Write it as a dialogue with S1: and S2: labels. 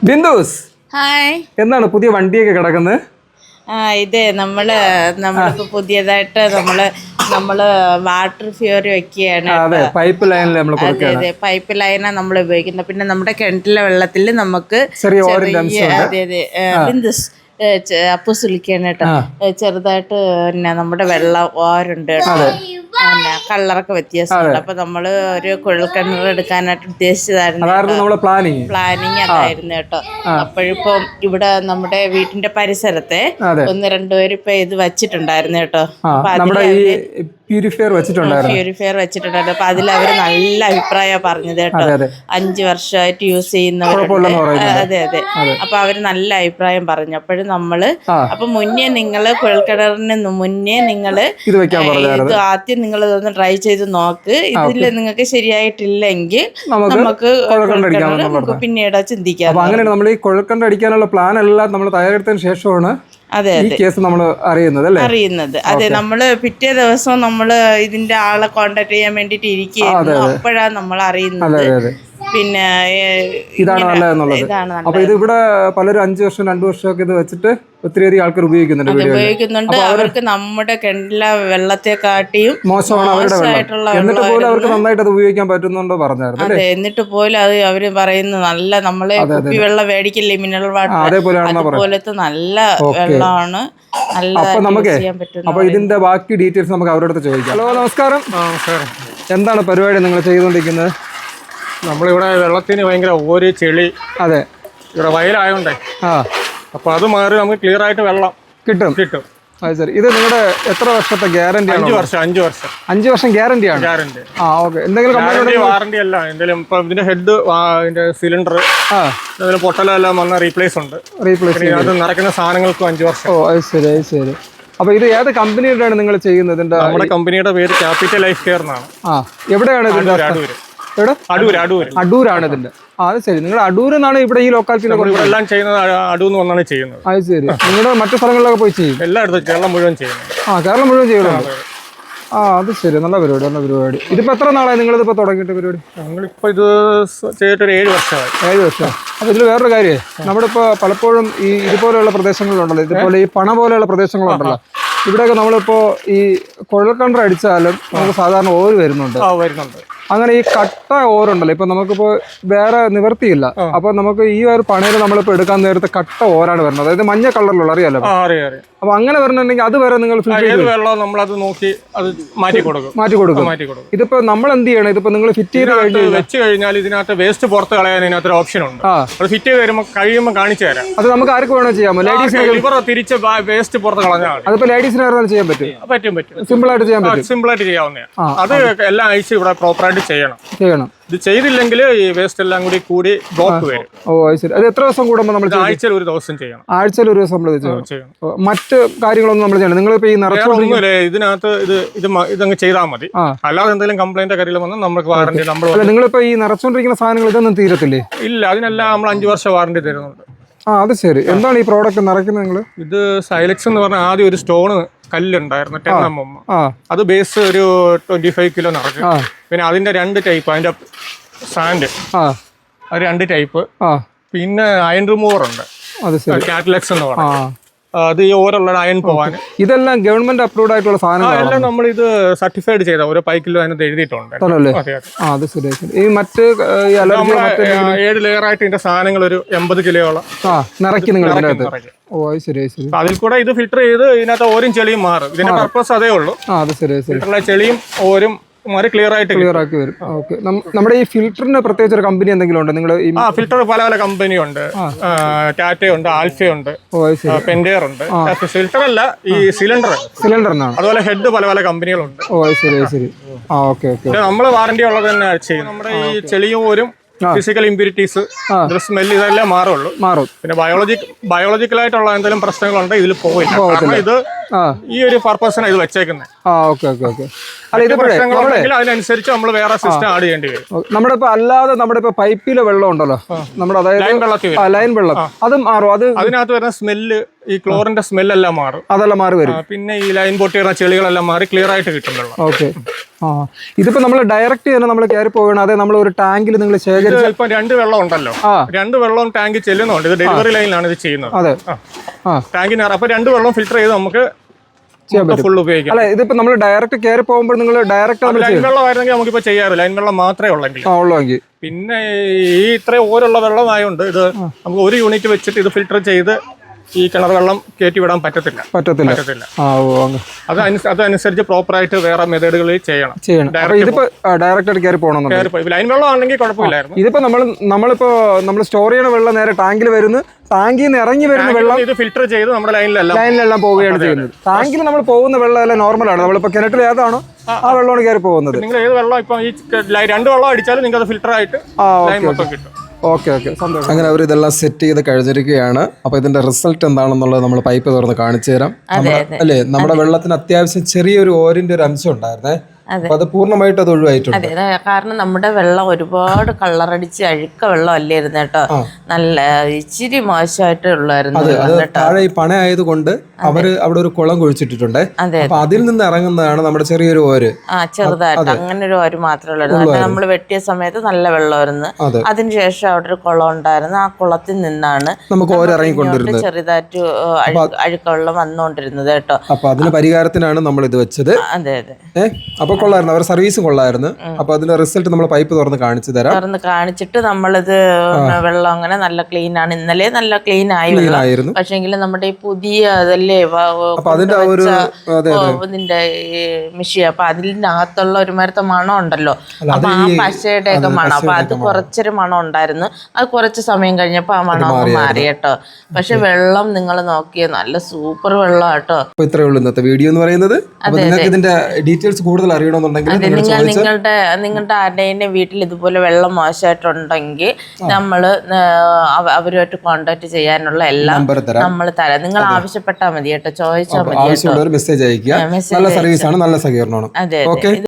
S1: ബിന്ദുസ്
S2: hi.
S1: എന്താണ് പുതിയ വണ്ടിയൊക്കെ കിടക്കുന്നത്?
S2: ഇതേ നമ്മളിപ്പോ പുതിയതായിട്ട് നമ്മള് വാട്ടർ ഫ്യൂറി വെക്കുകയാണ്.
S1: അതെ, പൈപ്പ് ലൈനിൽ നമ്മൾ
S2: അതെ, പൈപ്പ് ലൈനാണ് നമ്മൾ ഉപയോഗിക്കുന്നത്. പിന്നെ നമ്മുടെ കിണറ്റിലെ വെള്ളത്തിൽ നമുക്ക്
S1: ചെറിയ
S2: അതെ ബിന്ദുസ് അപ്പൂസ് വിളിക്കാണ് കേട്ടോ. ചെറുതായിട്ട് പിന്നെ നമ്മുടെ വെള്ളം ഓരുണ്ട് കേട്ടോ. പിന്നെ കളറൊക്കെ വ്യത്യാസമുണ്ട്. അപ്പൊ നമ്മള് ഒരു കുഴൽക്കിണർ എടുക്കാനായിട്ട് ഉദ്ദേശിച്ചതായിരുന്നു. പ്ലാനിങ് അതായിരുന്നു കേട്ടോ. അപ്പോഴിപ്പം ഇവിടെ നമ്മുടെ വീട്ടിന്റെ പരിസരത്തെ ഒന്ന് രണ്ടുപേരും ഇപ്പൊ ഇത് വെച്ചിട്ടുണ്ടായിരുന്നു കേട്ടോ.
S1: പ്യൂരിഫയർ
S2: വെച്ചിട്ടുണ്ടായിരുന്നു. അപ്പൊ അതിൽ അവര് നല്ല അഭിപ്രായമാണ് പറഞ്ഞത് കേട്ടോ. 5 വർഷമായിട്ട് യൂസ് ചെയ്യുന്നവരുണ്ട്. അതെ. അപ്പൊ അവര് നല്ല അഭിപ്രായം പറഞ്ഞു. അപ്പോഴും അപ്പൊ മുന്നേ നിങ്ങള് കുഴൽക്കിണറിന് മുന്നേ നിങ്ങള് ഇത് ആദ്യം നിങ്ങൾ ഇതൊന്ന് ട്രൈ ചെയ്ത് നോക്ക്. ഇതില് നിങ്ങൾക്ക് ശരിയായിട്ടില്ലെങ്കിൽ നമുക്ക് പിന്നീട് ചിന്തിക്കാം.
S1: അങ്ങനെ നമ്മൾ ഈ കുഴൽക്കിണർ അടിക്കാനുള്ള പ്ലാൻ എല്ലാം നമ്മൾ തയ്യാറെടുത്തതിന് ശേഷമാണ് ഈ കേസ് നമ്മൾ അറിയുന്നത്.
S2: അതെ, നമ്മള് പിറ്റേ ദിവസം നമ്മള് ഇതിന്റെ ആളെ കോണ്ടാക്ട് ചെയ്യാൻ വേണ്ടിട്ട് ഇരിക്കുകയായിരുന്നു. അപ്പോഴാണ് നമ്മൾ അറിയുന്നത്. പിന്നെ
S1: ഇതാണ് നല്ലതെന്നുള്ളത്. അപ്പൊ ഇത് ഇവിടെ പലരും 5 വർഷം 2 വർഷമൊക്കെ ഇത് വെച്ചിട്ട് ഒത്തിരിയധികം ആൾക്കാർ ഉപയോഗിക്കുന്നുണ്ട്.
S2: അവർക്ക് നമ്മുടെ കിണറ്റിലെ വെള്ളത്തെക്കാട്ടിയും
S1: മോശമാണ് അവരുടെ വെള്ളം. എന്നിട്ട് പോലും അവർക്ക് നന്നായിട്ട് അത് ഉപയോഗിക്കാൻ പറ്റുന്നുണ്ടോ പറഞ്ഞായിരുന്നു.
S2: അതെ, എന്നിട്ട് പോലും അത് അവര് പറയുന്നത് നല്ല നമ്മളെ കുപ്പി വെള്ളം മേടിക്കില്ലേ, മിനറൽ വാട്ടർ, അതുപോലത്തെ നല്ല വെള്ളമാണ്.
S1: അപ്പൊ ഇതിന്റെ ബാക്കി ഡീറ്റെയിൽസ് നമുക്ക് അവരുടെ അടുത്ത് ചോദിക്കാം. ഹലോ, നമസ്കാരം. എന്താണ് പരിപാടി നിങ്ങൾ ചെയ്തുകൊണ്ടിരിക്കുന്നത്?
S3: നമ്മളിവിടെ വെള്ളത്തിന് ഭയങ്കര ഓര് ചെളി.
S1: അതെ,
S3: ഇവിടെ വയലായോണ്ടേ. അപ്പൊ അത് മാറി നമുക്ക് ക്ലിയർ ആയിട്ട് വെള്ളം കിട്ടും.
S1: അത് ശരി. ഇത് നിങ്ങളുടെ എത്ര വർഷത്തെ ഗ്യാരണ്ടി ആണ്?
S3: 5 വർഷം
S1: ഗ്യാരണ്ടി ആണ്.
S3: എന്തെങ്കിലും വാറണ്ടി അല്ല, എന്തെങ്കിലും ഇപ്പൊ ഇതിന്റെ ഹെഡ്, ഇതിന്റെ സിലിണ്ടർ, പൊട്ടലെല്ലാം വന്ന റീപ്ലേസ് ഉണ്ട്. അത് നിറയ്ക്കുന്ന സാധനങ്ങൾക്കും 5 വർഷം.
S1: ഓ, അത് ശരി. അപ്പൊ ഇത് ഏത് കമ്പനിയുടെ നിങ്ങൾ ചെയ്യുന്നത്?
S3: നമ്മുടെ കമ്പനിയുടെ പേര് ക്യാപിറ്റൽ ലൈഫ് കെയർ എന്നാണ്.
S1: എവിടെയാണ് ഇതിന്റെ? അടൂരാണ് ഇതിന്റെ. അത് ശരി. നിങ്ങൾ അടൂർ എന്നാണ് ഇവിടെ ഈ ലൊക്കാലിറ്റിയിലൊക്കെ
S3: എല്ലാം ചെയ്യുന്നത്. അടൂന്ന് വന്നാണ് ചെയ്യുന്നത്.
S1: അത് ശരി. നിങ്ങളുടെ മറ്റു സ്ഥലങ്ങളിലൊക്കെ പോയി ചെയ്യും?
S3: എല്ലായിടത്തും കേരളം മുഴുവൻ ചെയ്യുന്നത്.
S1: കേരളം മുഴുവൻ ചെയ്യുന്നുണ്ട്. അത് ശരി. നല്ല പരിപാടി. ഇതിപ്പോ എത്ര നാളായി നിങ്ങളിതിപ്പോ തുടങ്ങിയിട്ട് പരിപാടി?
S3: ഞങ്ങളിപ്പോ ഇത് ചെയ്തിട്ട് 7 വർഷമായി.
S1: 7 വർഷം. അപ്പൊ ഇതിൽ വേറൊരു കാര്യമേ, നമ്മുടെ ഇപ്പൊ പലപ്പോഴും ഈ ഇതുപോലെയുള്ള പ്രദേശങ്ങളുണ്ടല്ലോ, ഇതുപോലെ ഈ പണ പോലെയുള്ള പ്രദേശങ്ങളുണ്ടല്ലോ, ഇവിടെയൊക്കെ നമ്മളിപ്പോ ഈ കുഴൽക്കിണർ അടിച്ചാലും നമുക്ക് സാധാരണ ഓര് വരുന്നുണ്ട്. അങ്ങനെ ഈ കട്ട ഓരുണ്ടല്ലോ, ഇപ്പൊ നമുക്കിപ്പോ വേറെ നിവർത്തിയില്ല. അപ്പൊ നമുക്ക് ഈ ഒരു പണയിൽ നമ്മളിപ്പോ എടുക്കാൻ നേരത്തെ കട്ട ഓരാണ് വരുന്നത്. അതായത് മഞ്ഞ കളറിലുള്ള, അറിയാലോ. അപ്പൊ അങ്ങനെ വരണമെങ്കിൽ അത് വരെ നിങ്ങൾ മാറ്റി കൊടുക്കും. ഇതിപ്പോ നമ്മൾ എന്ത് ചെയ്യണം? ഇതിപ്പോ നിങ്ങൾ ഫിറ്റ് ചെയ്ത്
S3: വെച്ച് കഴിഞ്ഞാൽ ഇതിനകത്ത് വേസ്റ്റ് പുറത്ത് കളയാൻ ഇതിനകത്ത് ഓപ്ഷൻ ഉണ്ട്. അത് ഫിറ്റ് ചെയ്ത് വരുമ്പോൾ കഴിയുമ്പോൾ കാണിച്ചു തരാം.
S1: അത് നമുക്ക് ആർക്ക് വേണോ ചെയ്യാമോ? ലേഡീസിന്
S3: തിരിച്ച് വേസ്റ്റ് പുറത്ത് കളഞ്ഞാൽ
S1: അതിപ്പോ ലേഡീസിന് ചെയ്യാൻ പറ്റും. സിമ്പിൾ ആയിട്ട്
S3: ചെയ്യാവുന്നതാണ്. അത് എല്ലാ ആഴ്ച ഇവിടെ പ്രോപ്പറായിട്ട് ചെയ്യണം. ഇത് ചെയ്തില്ലെങ്കിൽ ഈ വേസ്റ്റ് എല്ലാം കൂടി ബ്ലോക്ക് വരും.
S1: ഓ, ശരി. അത് എത്ര ദിവസം കൂടുമ്പോൾ നമ്മൾ?
S3: ആഴ്ചയിൽ ഒരു ദിവസം ചെയ്യണം.
S1: ആഴ്ചയിൽ ഒരു ദിവസം നമ്മൾ ചെയ്യണം. മറ്റ് കാര്യങ്ങളൊന്നും നമ്മൾ ചെയ്യണം. നിങ്ങളിപ്പോ ഈ
S3: നിറച്ചൊന്നുമില്ലേ ഇതിനകത്ത് ഇതങ്ങ് ചെയ്താൽ മതി. അല്ലാതെ എന്തെങ്കിലും കംപ്ലൈന്റ് കാര്യങ്ങൾ വന്നാൽ നമുക്ക് വാറണ്ടി.
S1: നിങ്ങളിപ്പോ ഈ നിറച്ചോണ്ടിരിക്കുന്ന സാധനങ്ങൾ ഇതൊന്നും തീരത്തില്ലേ?
S3: ഇല്ല, അതിനെല്ലാം നമ്മൾ 5 വർഷം വാറണ്ടി തരുന്നുണ്ട്.
S1: അത് ശരി. എന്താണ് ഈ പ്രോഡക്റ്റ് നിറയ്ക്കുന്നത് നിങ്ങൾ?
S3: ഇത് സൈലക്സ് എന്ന് പറഞ്ഞാൽ ആദ്യം ഒരു സ്റ്റോണ് കല്ലുണ്ടായിരുന്നു, 10 mm. അത് ബേസ് ഒരു 25 കിലോ നിറയ്ക്കും. പിന്നെ അതിന്റെ 2 ടൈപ്പ്, അതിന്റെ സാൻഡ്, അത് 2 ടൈപ്പ്. പിന്നെ അയൺ റിമൂവർ ഉണ്ട്, കാറ്റലക്സ് എന്ന് പറഞ്ഞാൽ. അത് ഈ ഓരോള്ള അയൺ പോവാൻ.
S1: ഇതെല്ലാം ഗവൺമെന്റ് അപ്രൂവ്ഡ് ആയിട്ടുള്ള സാധനങ്ങളെല്ലാം
S3: നമ്മൾ ഇത് സർട്ടിഫൈഡ് ചെയ്ത ഓരോ 5 കിലോ അതിനകത്ത് എഴുതിയിട്ടുണ്ട്.
S1: ഈ മറ്റ്
S3: 7 ലെയർ ആയിട്ട് ഇതിന്റെ സാധനങ്ങൾ ഒരു 80 കിലോയോളം
S1: നിറയ്ക്കും.
S3: അതിൽ കൂടെ ഇത് ഫിൽറ്റർ ചെയ്ത് ഇതിനകത്ത് ഓരും ചെളിയും മാറും. ഇതിന്റെ പർപ്പസ് അതേ ഉള്ളൂ. ഫിൽറ്ററിലെ ചെളിയും ഓരും ക്ലിയർ ആക്കി
S1: വരും. നമ്മുടെ ഈ ഫിൽറ്ററിന് പ്രത്യേകിച്ച് ഒരു കമ്പനി എന്തെങ്കിലും ഉണ്ട്? നിങ്ങൾ
S3: ഫിൽറ്റർ പല കമ്പനി ഉണ്ട്. ടാറ്റയുണ്ട്, ആൽഫയുണ്ട്, പെൻഡെയർ ഉണ്ട്. ഫിൽറ്റർ അല്ല, ഈ സിലിണ്ടറിനാണ്. അതുപോലെ ഹെഡ് പല കമ്പനികളുണ്ട്. നമ്മള് വാറണ്ടി ഉള്ളത് തന്നെ ചെയ്യും. നമ്മുടെ ഈ ചെളിയും ഓരും ഫിസിക്കൽ ഇമ്പ്യൂരിറ്റീസ്, സ്മെല്ല്, ഇതെല്ലാം മാറും. പിന്നെ ബയോളജിക്കലായിട്ടുള്ള എന്തെങ്കിലും പ്രശ്നങ്ങളുണ്ട് ഇതിൽ പോകില്ല. കാരണം ഇത് ഈ ഒരു പർപ്പസിനാണ് ഇത് വെച്ചേക്കുന്നത്. അതിനനുസരിച്ച് നമ്മൾ വേറെ സിസ്റ്റം ആഡ് ചെയ്യേണ്ടി വരും.
S1: നമ്മുടെ ഇപ്പൊ അല്ലാതെ നമ്മുടെ ഇപ്പൊ പൈപ്പിലെ വെള്ളം ഉണ്ടല്ലോ, നമ്മുടെ അതായത് ലൈൻ വെള്ളം, അത് മാറും.
S3: അതിനകത്ത് വരുന്ന സ്മെല്ല് ഈ ക്ലോറിന്റെ സ്മെല്ലെല്ലാം മാറും.
S1: അതെല്ലാം മാറി വരും.
S3: പിന്നെ ഈ ലൈൻ പൊട്ടിയുള്ള ചെളികളെല്ലാം മാറി ക്ലിയർ ആയിട്ട് കിട്ടും വെള്ളം.
S1: ഓക്കെ. ഇതിപ്പോ നമ്മൾ ഡയറക്റ്റ് തന്നെ നമ്മൾ കയറി പോകണം, അതെ നമ്മൾ ഒരു ടാങ്കിൽ നിങ്ങൾ ശേഖരിച്ച്
S3: ഇപ്പൊ 2 വെള്ളം ഉണ്ടല്ലോ, 2 വെള്ളം ടാങ്കിൽ ചെല്ലുന്നുണ്ട്. ഇത് ഡെലിവറി ലൈനിലാണ് ഇത് ചെയ്യുന്നത്.
S1: അതെ.
S3: ടാങ്കിന് അപ്പൊ 2 വെള്ളം ഫിൽറ്റർ ചെയ്ത് നമുക്ക് ഫുൾ ഉപയോഗിക്കാം.
S1: അല്ല ഇതിപ്പോ നമ്മൾ ഡയറക്റ്റ് കയറി പോകുമ്പോൾ നിങ്ങൾ ഡയറക്റ്റ്
S3: ലൈൻ വെള്ളം ആയിരുന്നെങ്കിൽ നമുക്കിപ്പോ ചെയ്യാറ്, ലൈൻ വെള്ളം മാത്രമേ ഉള്ളെങ്കിൽ. പിന്നെ ഈ ഇത്രയും ഓരുള്ള വെള്ളമായോണ്ട് ഇത് നമുക്ക് ഒരു യൂണിറ്റ് വെച്ചിട്ട് ഇത് ഫിൽറ്റർ ചെയ്ത് ഈ കിണർ വെള്ളം കയറ്റി വിടാൻ പറ്റത്തില്ല. അതനുസരിച്ച് പ്രോപ്പറായിട്ട് വേറെ മെത്തേഡുകളിൽ ചെയ്യണം.
S1: ഡയറക്റ്റ് കയറി പോകണം.
S3: ലൈൻ വെള്ളം ആണെങ്കിൽ കുഴപ്പമില്ലായിരുന്നു.
S1: ഇതിപ്പോ നമ്മൾ സ്റ്റോർ ചെയ്യണ വെള്ളം നേരെ ടാങ്കിൽ വരുന്നു, ടാങ്കിൽ നിന്ന് ഇറങ്ങി വരുന്ന വെള്ളം
S3: ഇത് ഫിൽറ്റർ ചെയ്ത് നമ്മുടെ ലൈനിലെല്ലാം
S1: പോവുകയാണ് ചെയ്യുന്നത്. ടാങ്കിൽ നമ്മൾ പോകുന്ന വെള്ളം എല്ലാം നോർമലാണ്. നമ്മളിപ്പോ കിണറ്റിൽ ഏതാണോ ആ വെള്ളമാണ് കയറി പോകുന്നത്.
S3: നിങ്ങൾ ഏത് വെള്ളം ഇപ്പൊ ഈ 2 വെള്ളം അടിച്ചാലും നിങ്ങൾക്ക് അത് ഫിൽറ്റർ ആയിട്ട് ലൈൻ മൊത്തം കിട്ടും.
S1: ഓക്കെ. അങ്ങനെ അവർ ഇതെല്ലാം സെറ്റ് ചെയ്ത് കഴിഞ്ഞിരിക്കുകയാണ്. അപ്പൊ ഇതിന്റെ റിസൾട്ട് എന്താണെന്നുള്ളത് നമ്മൾ പൈപ്പ് തുറന്ന് കാണിച്ചു തരാം. അല്ലേ, നമ്മുടെ വെള്ളത്തിന് അത്യാവശ്യം ചെറിയൊരു ഓരിന്റെ ഒരു അംശം ഉണ്ടായിരുന്നേ, അപ്പൊ അത് പൂർണ്ണമായിട്ട് അത് ഒഴിവായിട്ടുണ്ട്.
S2: അതെ, കാരണം നമ്മുടെ വെള്ളം ഒരുപാട് കളറടിച്ച് അഴുക്ക വെള്ളം അല്ലായിരുന്നു കേട്ടോ, നല്ല ഇച്ചിരി മോശമായിട്ടുള്ളായിരുന്നു.
S1: താഴെ ഈ പണ ആയതുകൊണ്ട് അവര് അവിടെ ഒരു കുളം കുഴിച്ചിട്ടിട്ടുണ്ട്. അപ്പൊ അതിൽ നിന്ന് ഇറങ്ങുന്നതാണ് നമ്മുടെ ചെറിയൊരു ഓര്.
S2: ചെറുതായിട്ട് അങ്ങനെ ഒരു ഓര് മാത്രമേ ഉള്ളായിരുന്നു. നമ്മൾ വെട്ടിയ സമയത്ത് നല്ല വെള്ളമായിരുന്നു. അതിനുശേഷം അവിടെ ഒരു കുളം ഉണ്ടായിരുന്നു. ആ കുളത്തിൽ നിന്നാണ്
S1: നമുക്ക് ഓര് ഇറങ്ങിക്കൊണ്ടിരുന്നത്,
S2: ചെറുതായിട്ട് അഴുക്ക വെള്ളം വന്നുകൊണ്ടിരുന്നത് കേട്ടോ.
S1: അപ്പൊ അതിന് പരിഹാരത്തിനാണ് നമ്മൾ ഇത് വെച്ചത്.
S2: അതെ.
S1: അപ്പൊ കൊള്ളായിരുന്നു, അവർ സർവീസ് കൊള്ളായിരുന്നു. അപ്പൊ അതിന്റെ റിസൾട്ട് നമ്മൾ പൈപ്പ് തുറന്ന് കാണിച്ചു തരാം.
S2: തുറന്ന് കാണിച്ചിട്ട് നമ്മളിത് വെള്ളം അങ്ങനെ നല്ല ക്ലീൻ ആണ്. ഇന്നലെ നല്ല ക്ലീൻ ആയിരുന്നു. പക്ഷെങ്കിൽ നമ്മുടെ ഈ പുതിയ അതല്ലേ ഇതിന്റെ മെഷീൻ, അപ്പൊ അതിനകത്തുള്ള ഒരു മരത്തെ മണം ഉണ്ടല്ലോ, അപ്പൊ ആ പശയുടെ ഒക്കെ മണം, അപ്പൊ അത് കുറച്ചൊരു മണം ഉണ്ടായിരുന്നു. അത് കുറച്ച് സമയം കഴിഞ്ഞപ്പോ ആ മണം മാറി കേട്ടോ. പക്ഷെ വെള്ളം നിങ്ങൾ നോക്കിയ നല്ല സൂപ്പർ വെള്ളം കേട്ടോ.
S1: അപ്പൊ ഇത്രയേ ഉള്ളൂ ഇന്നത്തെ വീഡിയോ എന്ന് പറയുന്നത്. ഇതിന്റെ ഡീറ്റെയിൽസ് കൂടുതൽ അറിയണമെന്നുണ്ടെങ്കിൽ
S2: നിങ്ങളുടെ ആരുടെയും വീട്ടിൽ ഇതുപോലെ വെള്ളം മോശമായിട്ടുണ്ടെങ്കിൽ നമ്മള് അവരുമായിട്ട് കോണ്ടാക്ട് ചെയ്യാനുള്ള എല്ലാം നമ്മൾ തരാം. നിങ്ങൾ ആവശ്യപ്പെട്ടാൽ മതി കേട്ടോ, ചോദിച്ചാൽ മതി.
S1: മെസ്സേജ് അയക്കുക. നല്ല സർവീസ് ആണ്, നല്ല സഹകരണമാണ്.
S2: അതെ.